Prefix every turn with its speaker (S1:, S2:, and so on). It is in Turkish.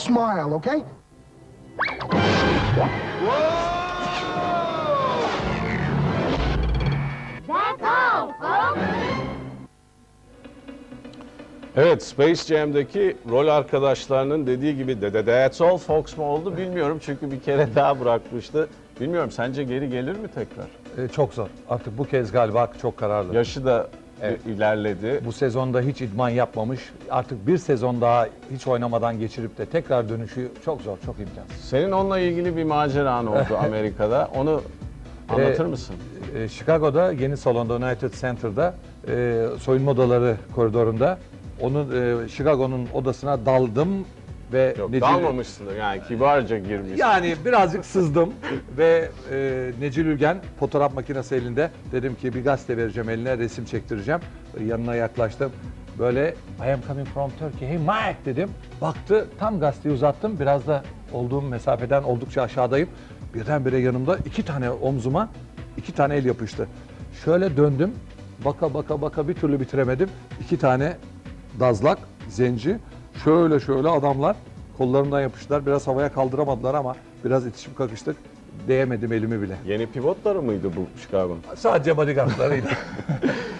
S1: smile, okay?
S2: That's all, folks.
S3: Evet, Space Jam'deki rol arkadaşlarının dediği gibi de That's All Fox mu oldu bilmiyorum çünkü bir kere daha bırakmıştı. Bilmiyorum, sence geri gelir mi tekrar?
S4: Çok zor. Artık bu kez galiba çok kararlı.
S3: Yaşı da ilerledi.
S4: Bu sezonda hiç idman yapmamış. Artık bir sezon daha hiç oynamadan geçirip de tekrar dönüşü çok zor, çok imkansız.
S3: Senin onunla ilgili bir maceran oldu Amerika'da. Onu anlatır mısın?
S4: Chicago'da yeni salonda United Center'da soyunma odaları koridorunda onun Chicago'nun odasına daldım ve
S3: Yok,
S4: Necil-
S3: dalmamışsındır yani, kibarca girmişsin.
S4: Yani birazcık sızdım ve Necil Ülgen fotoğraf makinesi elinde. Dedim ki bir gazete vereceğim eline, resim çektireceğim. Yanına yaklaştım. Böyle I am coming from Turkey, hey Mike dedim. Baktı, tam gazeteyi uzattım. Biraz da olduğum mesafeden oldukça aşağıdayım. Birdenbire yanımda iki tane omzuma iki tane el yapıştı. Şöyle döndüm. Baka bir türlü bitiremedim. İki tane dazlak, zenci. Şöyle adamlar kollarından yapıştılar. Biraz havaya kaldıramadılar ama biraz itişip kakıştık. Değemedim elimi bile.
S3: Yeni pivotları mıydı bu Chicago'nun?
S4: Sadece bodyguardlarıydı.